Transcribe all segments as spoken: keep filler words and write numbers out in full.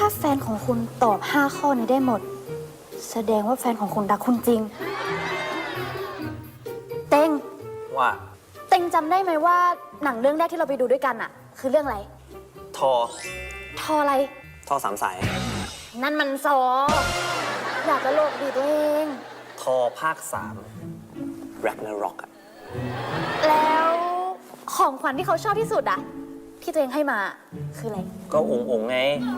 ถ้าแฟนของคุณตอบห้าข้อนี้ได้หมด แสดงว่าแฟนของคุณรักคุณจริง เต็งว่าเต็งจำได้ไหมว่าหนังเรื่องแรกที่เราไปดูด้วยกันอะคือเรื่องอะไรทอทออะไรทอสามสายนั่นมันซอ อยากตลกดีตัวเองทอภาคสามแร็กนาร็อกอะแล้วของขวัญที่เขาชอบที่สุดอะที่ตัวเองให้มาคืออะไรก็องค์องค์ไง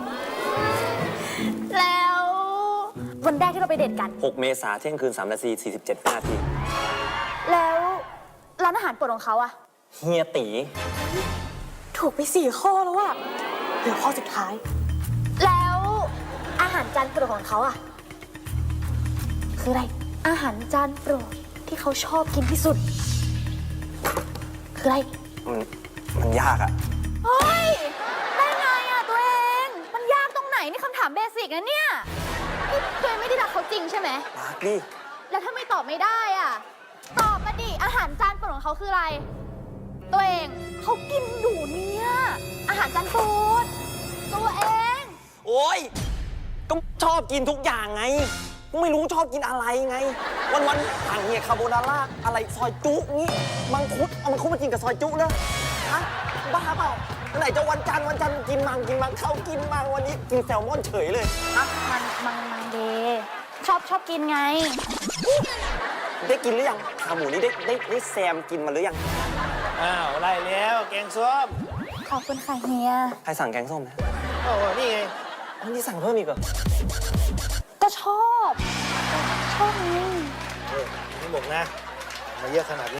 แล้ววันแรกที่เราไปเดทกันหกเมษาเที่ยงคืนสามนาทีสี่สิบเจ็ดนาทีแล้วร้านอาหารโปรดของเขาอะเฮียตีถูกไปสี่ข้อแล้วอะเหลือข้อสุดท้าย แล้วอาหารจานโปรดของเขาอะคืออะไร อาหารจานโปรดที่เขาชอบกินที่สุด คืออะไรมันมันยากอะเฮ้ย ได้ไงอะตัวเอง มันยากตรงไหนนี่คำถามเบสิกนะเนี่ยนี่ตัวเองไม่ได้รักเขาจริงใช่ไหมรักดิแล้วถ้าไม่ตอบไม่ได้อะตอบมาดิ อาหารจานโปรดของเขาคืออะไร ตัวเองเขากินอยู่เนี่ย อาหารจานโปรดตัวเองโอ้ยก็ชอบกินทุกอย่างไงไม่รู้ชอบกินอะไรไง วันวันๆสั่งเนี่ยคาโบนาร่าอะไรซอยจุงี้มังคุดเอามังคุดมากินกับซอยจุเลยฮะบ้าเปล่าไหนจะวันจันทร์วันจันทร์กินมังกินมังเขากินมังวันนี้กินแซลมอนเฉยเลยฮะมันมังมังเดชอบชอบกินไงได้กินหรือยังขาหมูนี่ได้ได้ได้แซมกินมาหรือยังอ้าวไล่แล้วแกงส้มขอบคุณค่ะเฮียใครสั่งแกงส้มนะโอ้โหนี่ไงอันนี้สั่งเพิ่มอีกเหรอก็ชอบ ชอบไงนี่บอกนะ มาเยอะขนาดนี้